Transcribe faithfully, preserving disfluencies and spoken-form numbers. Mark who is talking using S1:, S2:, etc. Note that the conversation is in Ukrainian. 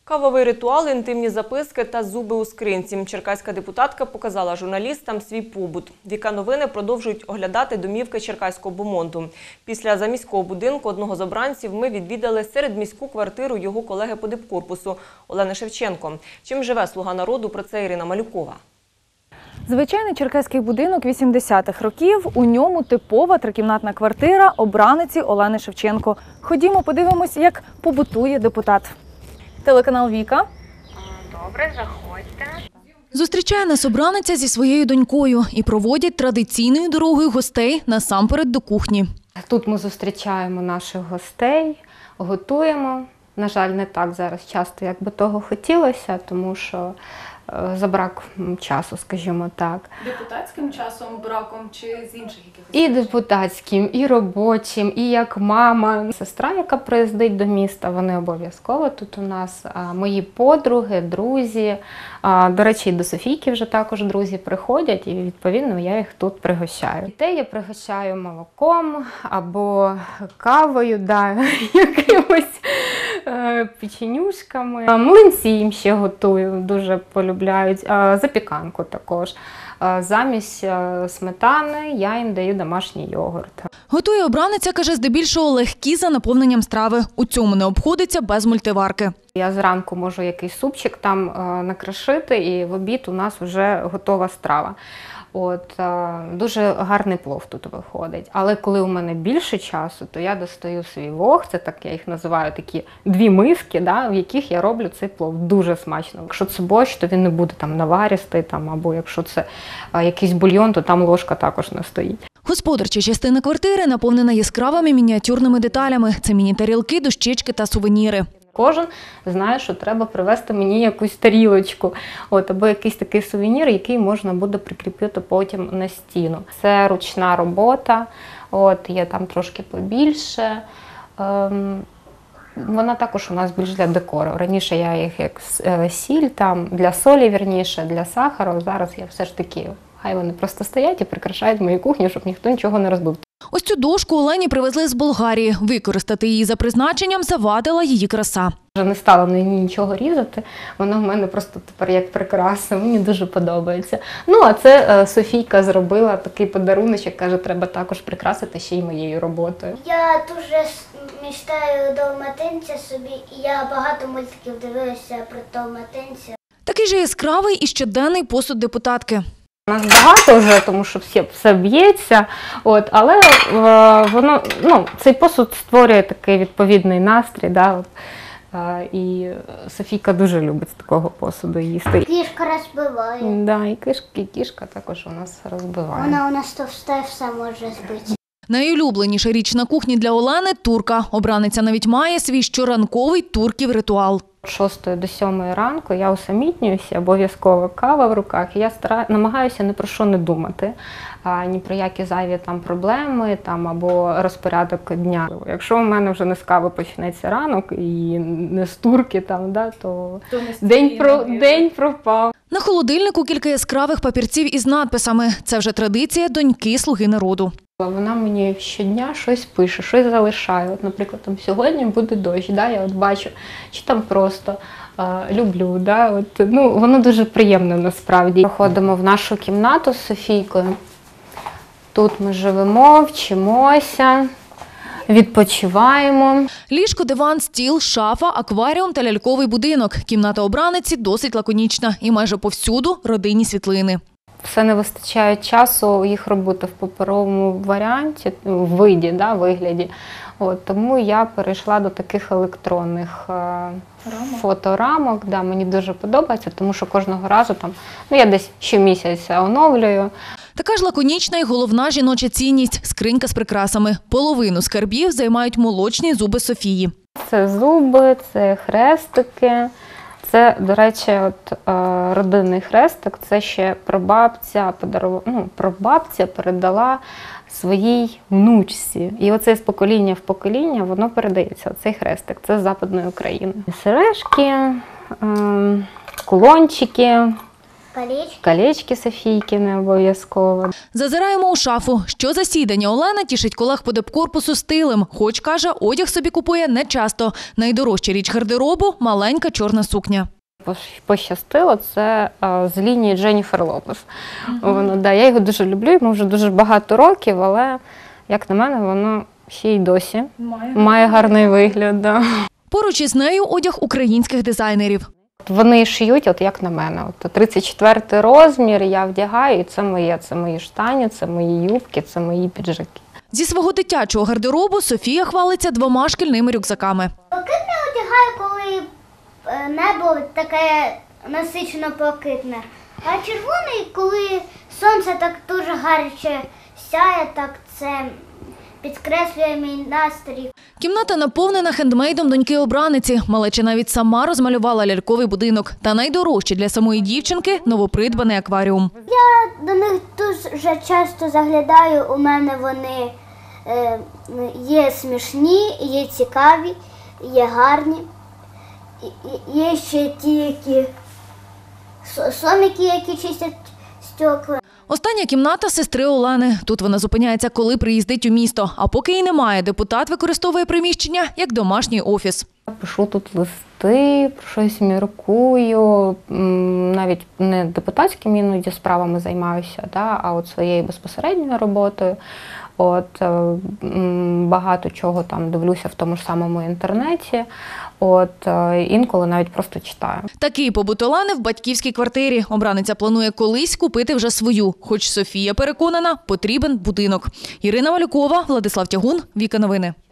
S1: Кавовий ритуал, інтимні записки та зуби у скринці. Черкаська депутатка показала журналістам свій побут. Віка новини продовжують оглядати домівки черкаського бомонду. Після заміського будинку одного з обранців ми відвідали середміську квартиру його колеги по дипкорпусу Олени Шевченко. Чим живе «Слуга народу» – про це Ірина Малюкова.
S2: Звичайний черкаський будинок вісімдесятих років, у ньому типова трикімнатна квартира обраниці Олени Шевченко. Ходімо, подивимось, як побутує депутат. Телеканал «Віка».
S3: Добре, заходьте.
S4: Зустрічає нас обраниця зі своєю донькою і проводять традиційною дорогою гостей насамперед до кухні.
S3: Тут ми зустрічаємо наших гостей, готуємо. На жаль, не так зараз часто, як би того хотілося, тому що за брак часу, скажімо так.
S2: Депутатським часом, браком чи з інших якихось?
S3: І депутатським, і робочим, і як мама. Сестра, яка приїздить до міста, вони обов'язково тут у нас. Мої подруги, друзі. До речі, і до Софійки вже також друзі приходять, і відповідно я їх тут пригощаю. Дітей я пригощаю молоком або кавою, да, якимось печенюшками. Млинці їм ще готую, дуже полюбляють. Запіканку також. Замість сметани я їм даю домашній йогурт.
S4: Готує обраниця, каже, здебільшого легкі за наповненням страви. У цьому не обходиться без мультиварки.
S3: Я зранку можу якийсь супчик там накрошити, і в обід у нас вже готова страва. От, дуже гарний плов тут виходить. Але коли у мене більше часу, то я достаю свій вог, це так я їх називаю, такі дві миски, да, в яких я роблю цей плов. Дуже смачно. Якщо це борщ, то він не буде там наваристий, там, або якщо це а, якийсь бульйон, то там ложка також не стоїть.
S4: Господарча частина квартири наповнена яскравими мініатюрними деталями. Це міні-тарілки, дощечки та сувеніри.
S3: Кожен знає, що треба привезти мені якусь тарілочку, от, або якийсь такий сувенір, який можна буде прикріпити потім на стіну. Це ручна робота, от, є там трошки побільше. Ем, вона також у нас більш для декору. Раніше я їх як сіль, там, для солі, вірніше, для сахару. Зараз я все ж таки, хай вони просто стоять і прикрашають мою кухню, щоб ніхто нічого не розбив.
S4: Ось цю дошку Олені привезли з Болгарії. Використати її за призначенням завадила її краса.
S3: Вже не стала на ній нічого різати, вона в мене просто тепер як прикраса, мені дуже подобається. Ну, а це Софійка зробила такий подаруночок, каже, треба також прикрасити ще й моєю роботою.
S5: Я дуже мечтаю Далматинця собі, і я багато мультиків дивилася про Далматинця.
S4: Такий же яскравий і щоденний посуд депутатки.
S3: У нас багато вже, тому що все, все б'ється, от, але е, воно, ну, цей посуд створює такий відповідний настрій. Да, от, е, і Софійка дуже любить з такого посуду їсти.
S5: Кішка розбиває.
S3: Да, і кішка, і кішка також у нас розбиває.
S5: Вона у нас товста, все може збити.
S4: Найулюбленіша річ на кухні для Олени – турка. Обраниця навіть має свій щоранковий турків ритуал.
S3: З шостої до сьомої ранку я усамітнююся, обов'язково кава в руках, і я стара... намагаюся ні про що не думати, а, ні про які зайві там проблеми там, або розпорядок дня. Якщо у мене вже не з кави почнеться ранок і не з турки, там, да, то, то день, про... день пропав.
S4: На холодильнику кілька яскравих папірців із надписами. Це вже традиція доньки «Слуги народу».
S3: Вона мені щодня щось пише, щось залишає. От, наприклад, там, сьогодні буде дощ, да, я от бачу, чи там просто а, люблю. Да, от, ну, воно дуже приємно насправді. Проходимо в нашу кімнату з Софійкою. Тут ми живемо, вчимося, відпочиваємо.
S4: Ліжко, диван, стіл, шафа, акваріум та ляльковий будинок. Кімната обраниці досить лаконічна і майже повсюду родинні світлини.
S3: Все не вистачає часу їх робити в паперовому варіанті, в виді, да, вигляді. От, тому я перейшла до таких електронних е, фоторамок. Да, мені дуже подобається, тому що кожного разу там, ну, я десь щомісяця оновлюю.
S4: Така ж лаконічна і головна жіноча цінність – скринька з прикрасами. Половину скарбів займають молочні зуби Софії.
S3: Це зуби, це хрестики. Це, до речі, от, е, родинний хрестик, це ще прабабця, подарувала, ну, прабабця передала своїй внучці. І оце з покоління в покоління воно передається, оцей хрестик, це з Западної України. Сережки, е, кулончики,
S5: колечки.
S3: Колечки Софійки не обов'язково.
S4: Зазираємо у шафу. Що засідання Олена тішить колег по депкорпусу стилем. Хоч, каже, одяг собі купує не часто. Найдорожча річ гардеробу – маленька чорна сукня.
S3: Пощастило, це а, з лінії Дженніфер Лопес. Uh-huh. Воно, да, я його дуже люблю, йому вже дуже багато років, але, як на мене, воно ще й досі має, має гарний вигляд. Да.
S4: Поруч із нею одяг українських дизайнерів.
S3: Вони шиють, от як на мене. От тридцять четвертий розмір я вдягаю, і це моє. Це мої штані, це мої юбки, це мої піджаки.
S4: Зі свого дитячого гардеробу Софія хвалиться двома шкільними рюкзаками.
S5: Блакитне одягаю, коли небо таке насичено блакитне. А червоний, коли сонце так дуже гаряче сяє, так це підкреслює мій настрій.
S4: Кімната наповнена хендмейдом доньки-обраниці. Малеча навіть сама розмалювала ляльковий будинок. Та найдорожче для самої дівчинки – новопридбаний акваріум.
S5: Я до них дуже часто заглядаю, у мене вони е, є смішні, є цікаві, є гарні. Є ще ті, які сомики, які чистять стекла.
S4: Остання кімната сестри Олени. Тут вона зупиняється, коли приїздить у місто. А поки її немає, депутат використовує приміщення як домашній офіс.
S3: Пишу тут листи, про щось міркую, навіть не депутатськими іноді справами займаюся, да, а от своєю безпосередньою роботою. От, багато чого там дивлюся в тому ж самому інтернеті, от, інколи навіть просто читаю.
S4: Такий побут Олени в батьківській квартирі. Обраниця планує колись купити вже свою. Хоч Софія переконана, потрібен будинок. Ірина Малюкова, Владислав Тягун, Віка Новини.